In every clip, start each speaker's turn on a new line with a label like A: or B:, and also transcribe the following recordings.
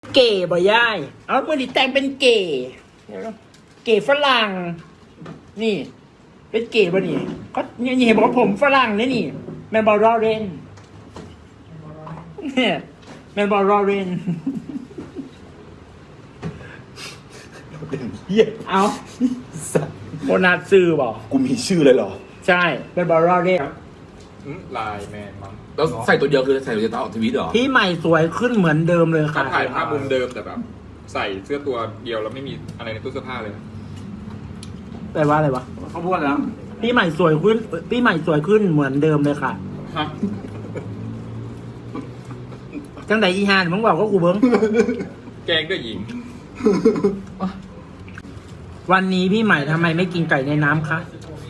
A: เก๋บ่ย่ายเอาเมื่อนี้แต่งเป็นเก๋เก๋ฝรั่งนี่ เป็นเก๋บ่นี่ก็นี่เห็นบอกว่าผมฝรั่งเลยนี่แมนบอลรอเรนเนี่ยแมนบอลรอเรน
B: เหี้ย
A: เอาโบนัสซื้อบอก
B: กูมีชื่อเลยเหรอ
A: ใช่เป็นบอลรอเรน
C: ไลน์แมนมั้ง
D: แล้วใส่ตัวเดียวคือใส่ตัวเดียวต่อทวิตเหรอ
A: พี่ใหม่สวยขึ้นเหมือนเดิมเลย
C: เขา
A: ค่ะ
C: ถ่ายภาพมุมเดิมแต่แบบ ใส่เสื้อตัวเดียวแล้วไม่มีอะไรในตู้เสื้อผ้าเลย
A: แปลว่าอะไรวะ
D: เขาพูดแล้ว
A: พี่ใหม่สวยขึ้นพี่ใหม่สวยขึ้นเหมือนเดิมเลยค่ะ
C: ฮะ
A: จังใดอีฮานมึงบอกก็กูเบิ้ง
C: แกงด้วยหญิง
A: วันนี้พี่ใหม่ทำไมไม่กินไก่ในน้ำคะ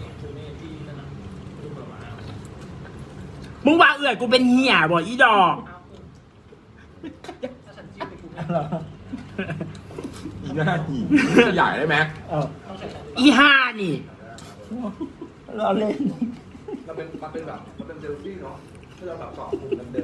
A: มึงว่าเอื่อยกูเป็นเหี้ยบ่อีดอก
D: อีหน้าหีขยายได้ไหม
A: อีห่านี่เราเล่น
D: มันเป็นแบบมันเป็นเดลฟี่เนาะที่เราแบบสองมุมเดิม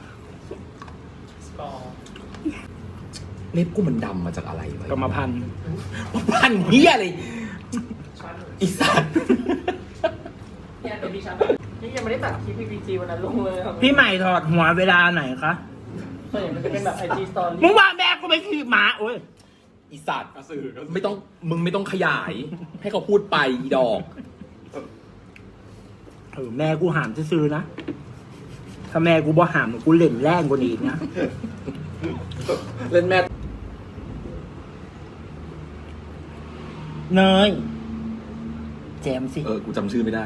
D: เล็บกูมันดำมาจากอะไรวะ
A: กรรมพันธุ์
D: พันเฮียเลยอีสัตว์
E: เนี่ยเป็นดิฉันนี่ยังไม่ได้ตัดคลิป PPG วันนั้นลงเลยครับ
A: พี่ใหม่ถอดหัวเวลาไหนคะ
E: ส่วนใหญ่มันจะเป็นแบบ IG Story
A: มึงว่าแม่กูไปขี่หมาโอ้ย
D: อีสัตว์
C: กระสือ
D: ไม่ต้องมึงไม่ต้องขยาย ให้เขาพูดไปอีดอก
A: แม่กูหามซื้อๆนะ ถ้าแม่กูบ่หามกูเล่นแรงกว่านี้อีกนะ
D: เล่นแม่
A: เนยแจมสิ
D: กูจำชื่อไม่ได้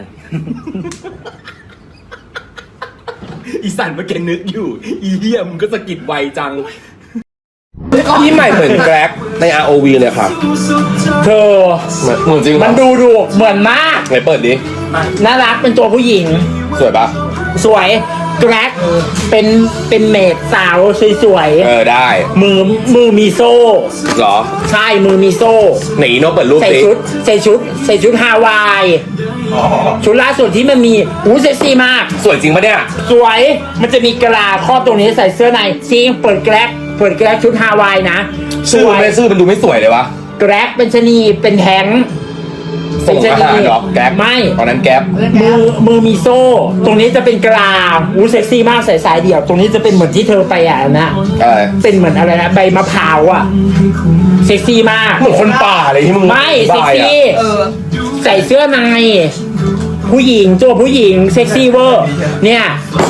D: อีสันเมื่อกี้นึกอยู่ อีเหี้ยมึงก็สะกิดไวจังพี่ใหม่เหมือนแกร็กใน ROV เลยค่ะ
A: เธอ
D: เหมือนจริงเหรอ
A: มันดูเหมือนมาก
D: ไหนเปิดดิ
A: น่ารักเป็นตัวผู้หญิง
D: สวยปะ
A: สวยแกร็กเป็นเมดสาวสวย
D: ได้
A: ๆมือมีโซ่
D: เหรอ
A: ใช่มือมีโซ่
D: ไหนอีโนเปิดรูป
A: ใส่
D: สิ
A: ชุดฮาวายชุดล่าสุดที่มันมีเซ็กซี่มาก
D: สวยจริงปะเนี่ย
A: สวยมันจะมีกะลาครอบตรงนี้ใส่เสื้อในซีเปิดแกร็กชุดฮาวายนะส
D: ชื่อ
A: ว
D: มัน
A: ย
D: ไม่ชื่อมันดูไม่สวยเลยวะ
A: แกร็กเป็นชะนีเป็นแทง
D: ส่งทหารเหรอแก๊ป
A: ไม่
D: ตอนนั้นแก๊ป
A: มือมีโซ่ ตรงนี้จะเป็นกะลาเซ็กซี่มากใส่สายเดี่ยว ตรงนี้จะเป็นเหมือนที่เธอไปนะ เป็นเหมือนอะไรนะใบมะพร้าวอ่ะเซ็กซี่มาก
D: เหมือนคนป่าเลยที่มึง
A: ไม่เซ็ก
D: บายอะ
A: ซี่ใส่เสื้อในผู้หญิงตัวผู้หญิงเซ็กซี่เวอร์เนี่ย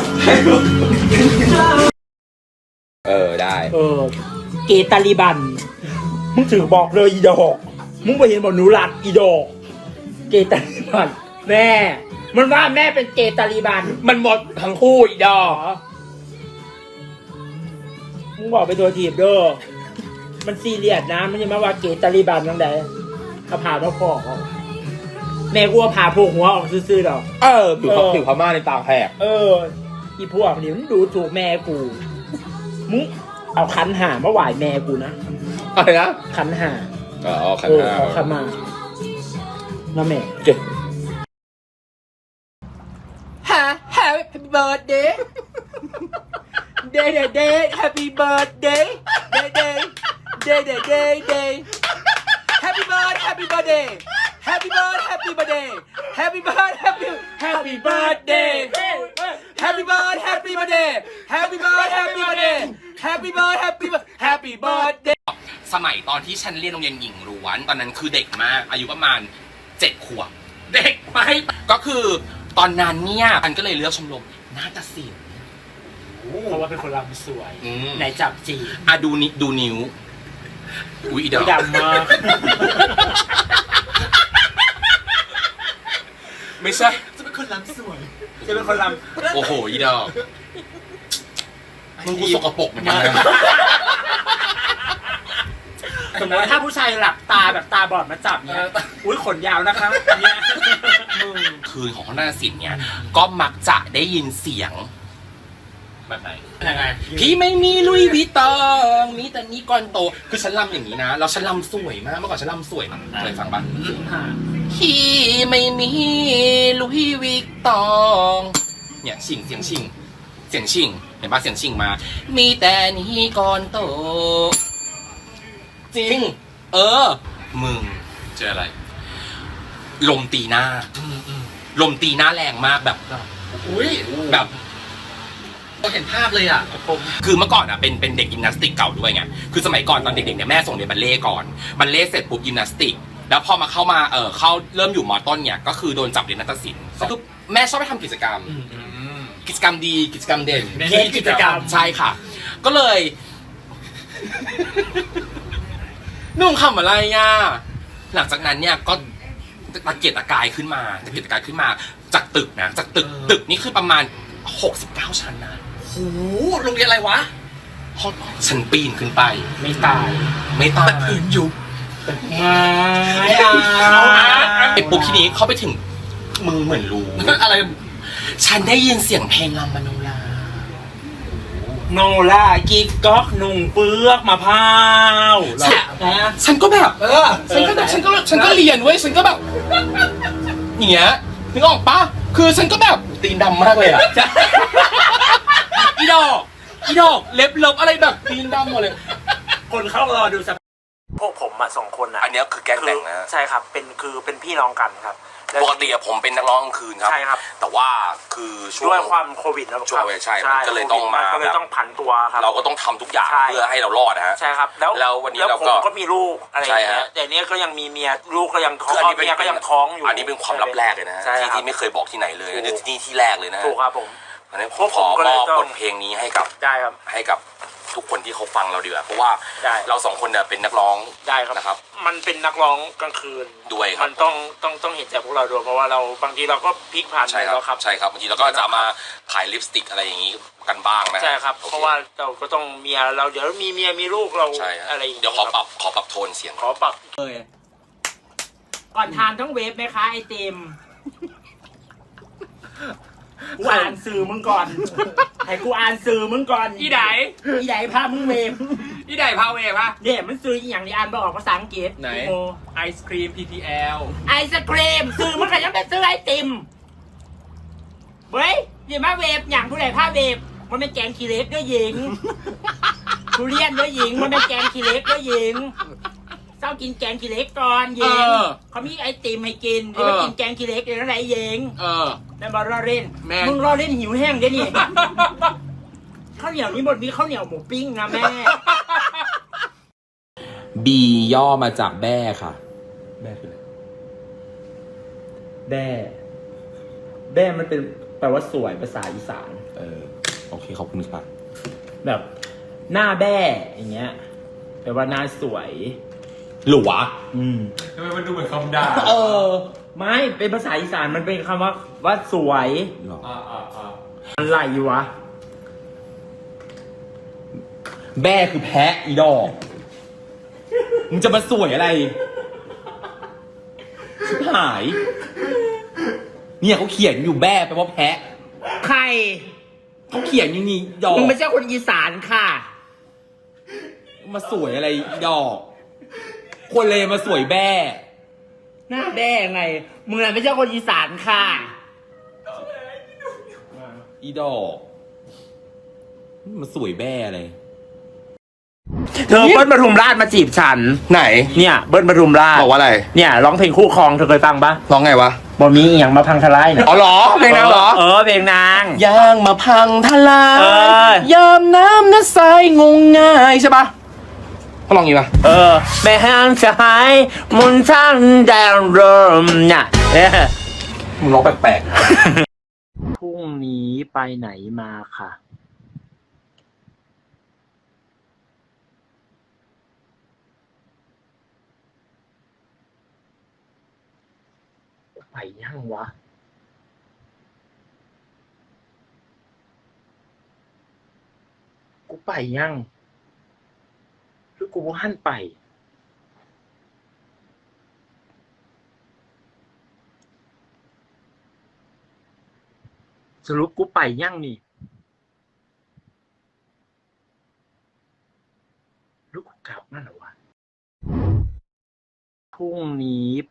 D: ได้
A: เกตาลิบันมึงถือบอกเลยอีดอกมึงไปเห็นบอกหนูรัดอีดอกเกตาลิบันแม่มันว่าแม่เป็นเกตาลิบัน
D: มันหมดทั้งคู่อีดอก
A: มึงบอกไปตัวทีบเด้อมันซีเรียสนะมันจะมาว่าเกตาลิบันตั้งแต่เอาผ่ามาพอกเอาแม่กูเอาผ่าโผกหัวออกซื่อๆดอก
D: ผิวพม่าในตาแหก
A: อีพวกนี้มันดูถูกแม่กูมึงเอาขันหามาไหวแม่กูนะ
D: อะไรนะ
A: ขันหา
D: ขันห้า
A: เอาขันมาน้าแม่
D: เก่ง
A: Happy birthday day Happy birthday day Happy birthday Happy birthday Happy birthday Happy birthday Happy birthday Happy birthday Happy birthday Happy birthday Happy birthday Happy birthday Happy birthday
D: สมัยตอนที่ฉันเรียนโรงเรียนหญิงล้วนตอนนั้นคือเด็กมากอายุประมาณ7 ขวบเด็กไหมก็คือตอนนั้นเนี่ยมันก็เลยเลือกชมรมนาฏศิลป์
A: เพราะว่าเป็นคนรำสวย
D: อืม
A: ไหนจับจี
D: ดูนิ้วอุ้ยอีดอก
A: ดำมาก
D: ไม่ใช่
A: จะเป็นคนรำสวยจะเป็นคนรำ
D: โอ้โหอีดอกมึงกูสกปรกเหมือนกันนะ
A: สมมติว่าถ้าผู้ชายหลับตาแบบตาบอดมาจับเนี่ยอุ้ยขนยาวนะคะเนี่ยมึง
D: คืนของนาฏศิลป์เนี่ยก็มักจะได้ยินเสียงแบบไหน
A: ยังไง
D: พี่ไม่มีลุยวิตองมีแต่นี้ก่อนโตคือฉันรำอย่างนี้นะแล้วฉันรำสวยมากเมื่อก่อนฉันรำสวยมากเคยฟังปะพี่ไม่มีลุยวิตองเนี่ยชิงเสียงชิงเห็นปะเสียงชิงมา มีแต่นี้ก่อนโตจริง มึงเจออะไร ลมตีหน้า ลมตีหน้าแรงมากแบบ
E: อุ้ย
D: แบบ
E: เราเห็นภาพเลยอ่ะผม
D: คือเมื่อก่อนอ่ะเป็นเด็กยิมนาสติกเก่าด้วยไง คือสมัยก่อนตอนเด็กๆเนี่ยแม่ส่งเรียนบัลเล่ต์ก่อน บัลเล่ต์เสร็จปุ๊บยิมนาสติก แล้วพอมาเข้าเริ่มอยู่มอต้นเนี่ยก็คือโดนจับเรียนนาฏศิลป์คือแม่ชอบไปทำกิจกรรม กิจกรรมดีกิจกรรมเด่น
E: เน้นกิจกรรม
D: ใช่ค่ะ ก็เลย นุ่งคำอะไรอ่ะหลังจากนั้นเนี่ยก็ตะเกียกตะกายขึ้นมาจากตึกนะจากตึกนี่คือประมาณ69ชั้นนะ
E: โหโรงเรียนอะไรวะ
D: ฉันปีนขึ้นไป
E: ไม่ตาย
D: ไม่ตาย
E: อื่นอยู่
D: ไอ้ปุ๊บทีนี้เข้าไปถึงมึงเหมือนรู้
E: อะไร
D: ฉันได้ยินเสียงเพลงลำมโนรา
B: โนล่ากิ๊กก๊อกนุ่งเปลือกมะพร้าว
D: ฉันก็แบบฉันก็เรียนเว้ยฉันก็แบบอย่างเงี้ยนึกออกปะคือฉันก็แบบตีนดำมากเลยอ่ะอีดอกเล็บอะไรแบบตีนดำหมดเลย
B: คนเข้ารอดูสักพวกผมอะ2 คนอะ
D: อันเนี้ยคือแก๊งแต่งนะ
B: ใช่ครับเป็นพี่น้องกันครับแล้ว
D: ปกติอะผมเป็นนักร้องกลางคืนครับ
B: ใช่ครับ
D: แต่ว่าคือช่ว
B: ด้วย
D: ง
B: ความโควิดนะ
D: ช่วงใช่มันก็เลยต้องมา
B: ก็เลยต้องผันตัวครับ
D: เราก็ต้องทำทุกอย่าง
B: ใช่
D: เพื่อให้เรารอดนะฮะ
B: ใช่ครับแล้ว
D: วันนี้
B: แล้ว
D: เรา
B: ผม
D: ก็
B: ก็มีลูกอะไรอย่าง
D: ใช่
B: เงี้
D: ฮะ
B: ยแต่เนี้ยก็ยังมีเมียลูกก็ยังท้อง
D: คืออันนี้เป็น
B: เมียก็ยังท้องอยู่
D: อันนี้เป็นความลับแรกเลยนะ
B: ใช่ครับ
D: ที่ไม่เคยบอกที่ไหนเลย
B: ถูก
D: นี่ที่แรกเลยนะ
B: ถูกครับผม
D: อันนี้ผ
B: พว
D: ม
B: ก
D: ข
B: ผ
D: อ
B: มก็
D: ม
B: เลย
D: อบ
B: ต้อง
D: บทเพลงนี้ให้กับ
B: ได้ครับ
D: ทุกคนที่เขาฟังเราดีกว่าเพราะว่า
B: ได้
D: เราสองคนเนี่ยเป็นนักร้อง
B: ได้ครับ
D: นะครับ
B: มันเป็นนักร้องกลางคืน
D: ด้วยครับ
B: มันต้องเห็นใจพวกเราด้วยเพราะว่าเราบางทีเราก็พลิกผ่าน
D: ใช่ครั
B: แล้วครับ
D: ใช่ครับบางทีเราก็จะมาขายลิปสติกอะไรอย่างนี้กันบ้างนะ
B: ใช่ครับ
D: โอ
B: เพราะว่าเราก็ต้องเมียเราเดี๋ยวมีเมียมีลูกเรา
D: ใช่ฮะ
B: อะไรอย่าง
D: เดี๋ยวขอปรับโทนเสียง
B: ขอปรับ
E: ก่อนทานต้องเวฟไหมคะไอติมกูอ่านสื่อมึงก่อน ให้กูอ่านสื่อมึงก่อน
A: อีได
E: อีไหนพามึงเวฟ
A: อีไดพาเวปะ
E: เนี่ยมันสื่ออีหยังที่อ่านบอกออกภาษาอังกฤษ
A: ไหน
E: โอ้
A: ไอศครีม PTL
E: ไอศครีมสื่อมันก็ยังเป็นสื่อไอติมเว้ยอย่ามาเวฟอย่างผู้ใดพาเวฟมันเป็นแกงขี้เหล็กด้วยหญิงทุเรียนด้วยหญิงมันเป็นแกงขี้เหล็กด้วยหญิงเจ้ากินแกงขี้เหล็กก่อนหญิงเขามีไอติมให้กินหรือว่ากินแกงขี้เหล็กเดี๋ยวอะไรหญิง นั่นบอลรอเล่น
A: แม่ง
E: มึงรอเล่นหิวแห้งเด้นี่ ข้าวเหนียวนี้หมดมีข้าวเหนียวหมูปิ้งนะแม่
D: B ย่อมาจากแบ้ค่ะแบ้คืออะไร
F: แด้มันเป็นแปลว่าสวยภาษาอีสาน
D: โอเคขอบคุณค่ะ
F: แบบหน้าแด้อย่างเงี้ยแปลว่าหน้าสวย
D: หรือวะ
C: ทำไมมันดูเหมือนคำด่า
F: ไม่เป็นภาษาอีสานมันเป็นคำว่าสวย
D: หรอ
F: อะไรวะ
D: แบ้คือแพะอีดอกมึงจะมาสวยอะไรชิบหาย เนี่ยเขาเขียนอยู่แบ้แปลว่าแพะ
E: ใคร
D: เขาเขียนอย่างนี้ดอก
E: มึงไม่ใช่คนอีสานค่ะ
D: มาสวยอะไรดอก คนเลยมาสวยแบ้
E: หน้าแด้ไง มึงน่ะไม่ใช่คนอีสานค่ะ
D: อีดอกมาสวยแบ้อะไร
F: เธอเบิ้ลปทุมราชมาจีบฉัน
D: ไหน
F: เนี่ยเบิ้ลปทุมราช
D: บอกว่าอะไร
F: เนี่ยร้องเพลงคู่ครองเธอเคยฟังปะ
D: ร้องไงวะ
F: บอมีอหย่างมาพังทลายเนี่ย
D: อ๋อเหรอเพลงนางเหรอ
F: เพลงนาง
D: ย่างมาพังทลาย
F: เออ
D: ยามน้ำน้ำใสงงง่ายใช่ปะเขาลองงี้ปะ
F: แม่ห้างจะหายมุนช่างแดงเริ่มเนี่ย
D: มึงร้องแปลก
F: พรุ่งนี้ไปไหนมาค่ะ ไปยังวะ กูไปยังหรือกูบ่หันไป สรุปกูไปยังนี่หรือกูกลับนั่นเหรอวะ พรุ่งนี้